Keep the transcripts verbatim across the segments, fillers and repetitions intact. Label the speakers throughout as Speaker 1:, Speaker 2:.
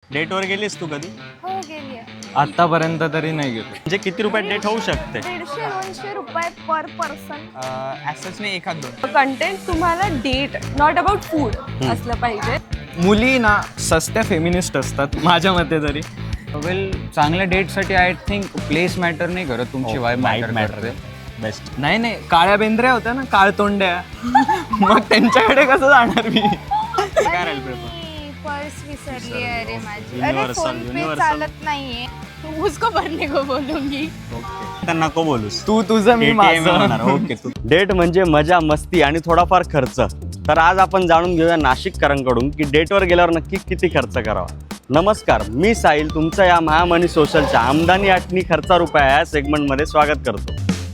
Speaker 1: डेटवर गेलीस तू कधी?
Speaker 2: हो गेली.
Speaker 3: आतापर्यंत तरी नाही गेलो.
Speaker 1: म्हणजे किती रुपयात डेट होऊ शकते?
Speaker 2: दीडशे दोनशे रुपये पर पर्सन.
Speaker 4: ॲसच नाही एखाद दोन.
Speaker 2: कंटेंट तुम्हाला डेट नॉट अबाउट फूड असलं पाहिजे.
Speaker 3: मुली ना सस्त्या फेमिनिस्ट असतात माझ्या मते तरी. वेल चांगल्या डेटसाठी आय थिंक प्लेस मॅटर नाही करत, तुमची वाय मॅटर मॅटर
Speaker 1: बेस्ट.
Speaker 3: नाही नाही काळ्या बेंद्र्या होत्या ना, काळ तोंड्या मग त्यांच्याकडे कसं जाणार मी.
Speaker 1: काय राहील पेपर?
Speaker 2: पर्स विसरली अरे माझी.
Speaker 1: Universal,
Speaker 2: अरे फोन पे
Speaker 1: universal.
Speaker 2: चालत नाहीये. उसको भरने को बोलूंगी.
Speaker 1: तर नको बोलूस.
Speaker 3: तू तुझं मी माझं.
Speaker 1: ओके. डेट म्हणजे मजा मस्ती आणि थोडाफार खर्च. तर आज आपण जाणून घेऊया नाशिककरांकडून की डेटवर गेल्यावर नक्की किती खर्च करावा. नमस्कार, मी साहिल तुमचं या महामनी सोशलच्या आमदानी आठणी खर्चा रुपया या सेगमेंटमध्ये स्वागत करतो.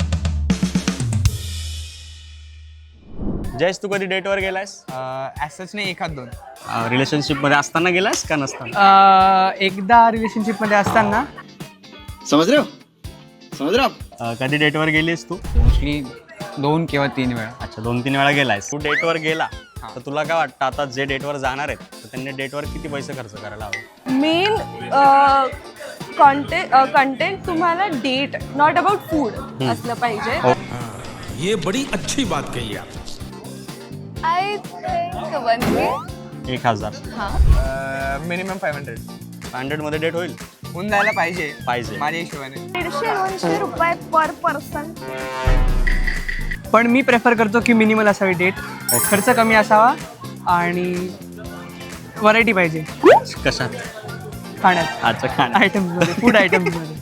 Speaker 1: जयेश, तू कधी डेटवर गेलायस?
Speaker 4: ॲसच नाही एखाद दोन.
Speaker 1: रिलेशनशिप मध्ये असताना गेलायस का नसताना?
Speaker 4: एकदा रिलेशनशिप मध्ये असताना.
Speaker 5: समझ रहे हो समझ रहे हो आप?
Speaker 1: अं, कधी डेटवर गेलीस तू?
Speaker 3: मोस्टली दोन किंवा तीन वेळा.
Speaker 1: अच्छा, दोन तीन वेळा गेलायस. तू डेटवर गेला तर तुला काय वाटतं आता जे डेटवर जाणार आहेत तर त्यांनी डेटवर किती पैसे खर्च करायला हवे?
Speaker 2: मेन कंटेंट कंटेंट तुम्हाला डेट नॉट अबाउट फूड असलं पाहिजे.
Speaker 6: ये बड़ी अच्छी बात कही आप.
Speaker 2: I think one K.
Speaker 1: एक हजार
Speaker 4: minimum five hundred
Speaker 1: five hundred मध्ये डेट होईल
Speaker 4: होऊन जायला पाहिजे
Speaker 1: पाहिजे.
Speaker 4: माझ्या हिशोबाने.
Speaker 2: दीडशे दोनशे रुपये पर पर्सन.
Speaker 7: पण मी प्रेफर करतो की मिनिमल असावी डेट, खर्च कमी असावा आणि व्हरायटी पाहिजे
Speaker 1: कशात?
Speaker 7: खाण्यात,
Speaker 1: अच्छा, खाण.
Speaker 7: आयटम्समध्ये, फूड आयटम्समध्ये.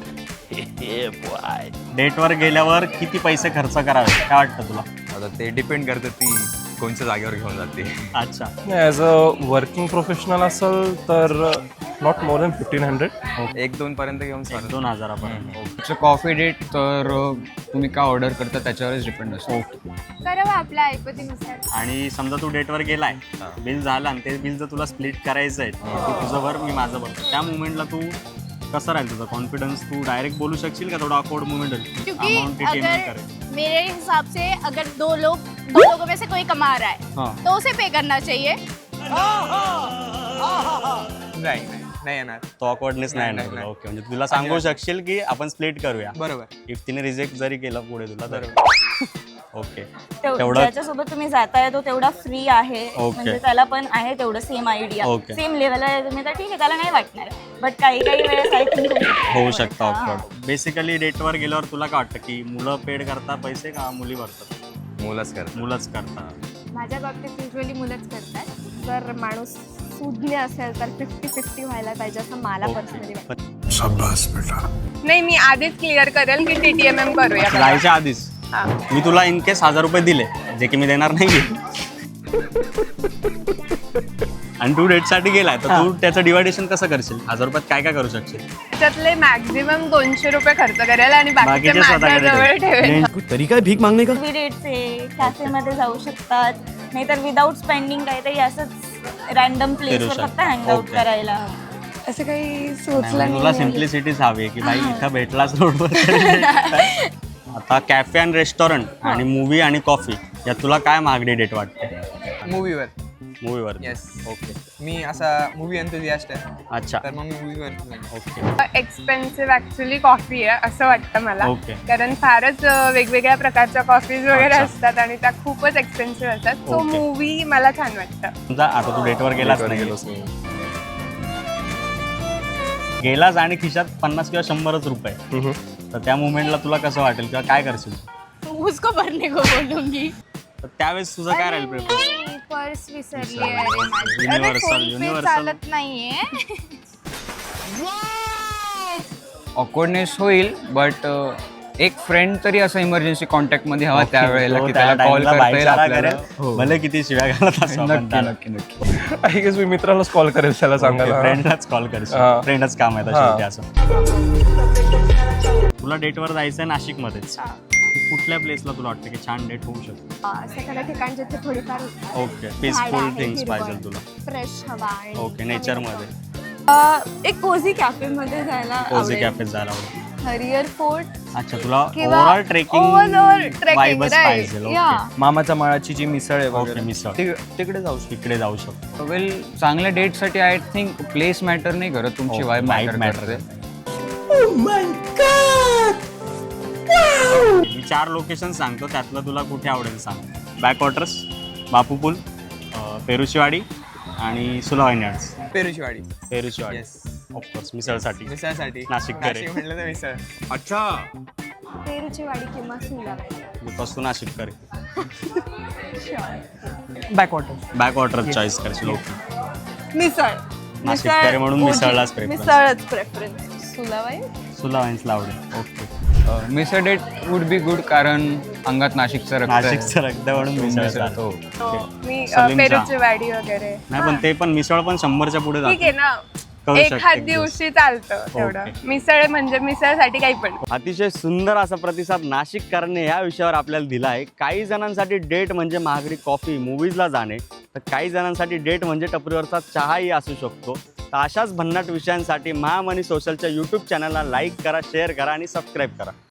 Speaker 1: डेटवर गेल्यावर किती पैसे खर्च करावे काय वाटतं तुला?
Speaker 8: आता ते डिपेंड करतं ती कोणत्या जागेवर घेऊन जाते.
Speaker 1: अच्छा,
Speaker 9: ॲज अ वर्किंग प्रोफेशनल असेल तर not more than fifteen hundred.
Speaker 8: एक दोन पर्यंत घेऊन चालेल.
Speaker 1: दोन हजारापर्यंत.
Speaker 3: कॉफी डेट तर तुम्ही काय ऑर्डर करता त्याच्यावरच डिपेंड असतो.
Speaker 2: करावं आपल्या ऐपतीनुसार.
Speaker 1: आणि समजा तू डेटवर गेलाय, बिल झालं आणि ते बिल जर तुला स्प्लिट करायचं आहे, तू तुझं भर मी माझं भर, त्या मुवमेंटला तू कसं राहील तुझा कॉन्फिडन्स? तू डायरेक्ट बोलू शकशील का थोडा ऑकवर्ड मुवमेंट होईल?
Speaker 2: क्योंकि
Speaker 1: अमाउंट पेमेंट
Speaker 2: अगर
Speaker 1: करेल.
Speaker 2: मेरे हिसाब से अगर दो लोग दो लोगों में से कोई कमा रहा है
Speaker 1: हाँ.
Speaker 2: तो उसे पे करना चाहिए.
Speaker 4: नाही नाही नाही येणार.
Speaker 1: तो ऑकवर्डनेस नाही
Speaker 4: नाही,
Speaker 1: येणार.
Speaker 4: नाही.
Speaker 1: ओके, म्हणजे तुला सांगू शकशील की आपण स्प्लिट करूया.
Speaker 4: बरोबर.
Speaker 1: इफ तिने रिजेक्ट जरी केलं पुढे तुला तर ओके.
Speaker 10: तेव-
Speaker 1: तेवढं-
Speaker 10: ज्याच्यासोबत तुम्ही जाताय तो तेवढा फ्री आहे,
Speaker 1: ओके.
Speaker 10: म्हणजे त्याला पण आहे तेवढं सेम आयडिया,
Speaker 1: ओके.
Speaker 10: सेम लेवलला आहे तुम्ही तर ठीक आहे, त्याला नाही वाटणार. बट काही काही वेळेस आय थिंक
Speaker 1: होऊ शकतं ऑकवर्ड. बेसिकली डेटवर गेल्यावर तुला काय वाटतं की मुलं पेड करतात पैसे का मुली भरतात?
Speaker 8: मुलंच करतात.
Speaker 1: मुलंच करतात.
Speaker 2: माझ्या बाबतीत युजली मुलंच करतात. जर माणूस सुज्ञ असेल तर फिफ्टी फिफ्टी व्हायला पाहिजे असं मला पर्सनली वाटतं.
Speaker 9: शाबास बेटा.
Speaker 2: नाही, मी आधीच क्लिअर करेल की टी टी एम एम करूया.
Speaker 1: जायच्या आधीच मी तुला इन केस हजार रुपये दिले जे की मी देणार नाही आणि तू डेटसाठी गेलाय तर तू त्याचं डिवायडेशन कसं करशील? हजार रुपयात काय काय करू शकशील?
Speaker 2: त्याच्यातले मॅक्झिमम दोनशे रुपये खर्च करेल आणि बाकीचे
Speaker 1: बाकीचे
Speaker 2: माझ्या
Speaker 1: स्वतःकडे
Speaker 2: जवळ ठेवेल.
Speaker 5: कोई तरीका है भीख मांगने का?
Speaker 10: डेट्स आहे, कॅफेमध्ये जाऊ शकतात, नाहीतर विदाऊट स्पेंडिंग काहीतरी असंच रॅन्डम प्लेसवर
Speaker 1: शकता.
Speaker 10: फक्त हँगआउट
Speaker 1: ओके.
Speaker 10: करायला.
Speaker 2: असं काही
Speaker 1: नाही,
Speaker 2: सुचलं
Speaker 1: तुला सिम्प्लिसिटीच हवी की भाई इथं भेटलाच रोडवर. आता कॅफे आणि रेस्टॉरंट आणि मूवी आणि कॉफी यात तुला काय महागडी डेट वाटते?
Speaker 4: मूवीवर.
Speaker 1: मूवीवर.
Speaker 4: येस.
Speaker 1: ओके.
Speaker 4: मी असा मूवी एन्थुझियास्ट आहे,
Speaker 1: अच्छा,
Speaker 4: तर मग मी मूवीवर.
Speaker 1: ओके.
Speaker 2: एक्सपेन्सिव्ह ऍक्च्युली कॉफी आहे असं वाटतं मला.
Speaker 1: ओके.
Speaker 2: कारण फारच अ, वेगवेगळ्या प्रकारच्या कॉफीज वगैरे
Speaker 1: अच्छा.
Speaker 2: असतात आणि त्या खूपच एक्सपेन्सिव्ह असतात. So
Speaker 1: okay.
Speaker 2: मूवी मला छान वाटतं.
Speaker 1: समजा आता तू डेटवर गेलास
Speaker 8: डेटवर
Speaker 1: नाही
Speaker 8: गेलोच नाही.
Speaker 1: गेलास आणि खिशात पन्नास किंवा शंभरच रुपये, तर त्या मुवमेंटला तुला कसं वाटेल किंवा काय करशील?
Speaker 2: उसको भरने को बोलूंगी.
Speaker 1: तर त्यावेळेस तुझं काय राहील प्रेफरन्स?
Speaker 2: पर्स विसरली अरे माझी. अरे
Speaker 1: Universal,
Speaker 2: फोन पे
Speaker 1: universal.
Speaker 2: चालत नाहीये.
Speaker 3: ऑकवर्डनेस होईल, बट एक फ्रेंड तरी असं इमर्जन्सी कॉन्टॅक्टमध्ये हवा त्यावेळेला
Speaker 1: तो
Speaker 3: की
Speaker 1: त्या
Speaker 3: त्याला कॉल
Speaker 1: timeला
Speaker 3: करता येईल
Speaker 1: भाईचारा
Speaker 3: आपल्याला.
Speaker 1: करेल.
Speaker 3: हो.
Speaker 1: भले किती शिव्या घालत असो आपण
Speaker 3: नक्की
Speaker 1: त्याला.
Speaker 3: नक्की नक्की.
Speaker 9: आय गेस मी मित्रालाच कॉल करेल त्याला सांगायला.
Speaker 1: फ्रेंडलाच कॉल करशील.
Speaker 9: हा.
Speaker 1: फ्रेंडच काम आहे
Speaker 9: हा.
Speaker 1: शेवटी असं. तुला डेटवर जायचंय नाशिकमध्येच, कुठल्या प्लेसला तुला वाटतं की छान डेट होऊ शकते?
Speaker 2: असं एखाद्या ठिकाण जिथे थोडीफार
Speaker 1: ओके, पीसफुल थिंग्स पाहिजे तुला.
Speaker 2: फ्रेश हवा आणि
Speaker 1: ओके, नेचरमध्ये
Speaker 2: अ, एक कोझी कॅफे मध्ये जायला
Speaker 1: कोझी
Speaker 2: आवडेल.
Speaker 1: कॅफे जायला आवडेल.
Speaker 2: हरियर फोर्ट
Speaker 1: अच्छा तुला
Speaker 2: किंवा
Speaker 1: ओव्हरऑल ट्रेकिंग
Speaker 2: overall trekking,
Speaker 1: वाईबच
Speaker 2: right.
Speaker 1: पाहिजे
Speaker 2: Yeah.
Speaker 1: ओके
Speaker 3: मामाच्या माळाची जी मिसळ आहे
Speaker 1: ओके
Speaker 3: वगैरे
Speaker 1: मिसळ
Speaker 3: ते- तिकडे जाऊ
Speaker 1: तिकडे जाऊ शकतो
Speaker 3: वेल चांगल्या डेटसाठी आय थिंक प्लेस मॅटर नाही करत तुमची
Speaker 1: हो,
Speaker 3: वाईब
Speaker 1: vibe
Speaker 3: मॅटर
Speaker 1: matter
Speaker 3: करते
Speaker 1: मी चार लोकेशन सांगतो त्यातलं तुला कुठे आवडेल सांग बॅकवॉटर्स बापू पूल अं, पेरुशीवाडी आणि Sula vineyards
Speaker 4: Perushiwadi
Speaker 1: Perushiwadi
Speaker 4: yes
Speaker 1: of course मिसळसाठी
Speaker 4: मिसळसाठी
Speaker 1: नाशिक करे.
Speaker 4: नाशिक म्हटलं तर मिसळ
Speaker 6: अच्छा
Speaker 2: पेरूची वाडी किंवा सुलावाई.
Speaker 1: बिकॉज तू नाशिक करे
Speaker 7: बॅकवॉटर
Speaker 1: बॅकवॉटर चॉईस करशील ओके
Speaker 2: मिसळ
Speaker 1: नाशिककरे म्हणून
Speaker 2: ओजी.
Speaker 1: मिसळलाच preference.
Speaker 2: मिसळच प्रेफरन्स. सुलावाई
Speaker 1: सुलावाईन्सला आवडेल ओके
Speaker 3: मिसळ डेट वुड बी गुड कारण अंगात नाशिकचं रक्त आहे.
Speaker 1: नाशिकचं रक्त म्हणून मिसळ
Speaker 3: मिसळ
Speaker 1: चालतं.
Speaker 3: हो.
Speaker 2: हो, मी अ,
Speaker 1: सलीम चहा.
Speaker 2: पेरूची वाडी वगैरे
Speaker 1: नाही पण ते पण मिसळ पण शंभरच्या पुढे
Speaker 2: ठीक आहे ना
Speaker 1: करू शकते
Speaker 2: एखाद
Speaker 1: एक दिवस.
Speaker 2: दिवशी चालतं तेवढं
Speaker 1: ओके.
Speaker 2: मिसळ म्हणजे मिसळसाठी काही पण.
Speaker 1: अतिशय सुंदर असा प्रतिसाद नाशिककरांनी या विषयावर आपल्याला दिला आहे. काही जणांसाठी डेट म्हणजे महागडी कॉफी मूवीजला जाणे तर काही जणांसाठी डेट म्हणजे टपरीवरचा चहाही असू शकतो. तर अशाच भन्नाट विषयांसाठी महामनी सोशलच्या यूट्यूब चॅनलला लाईक करा शेअर करा आणि सबस्क्राईब करा.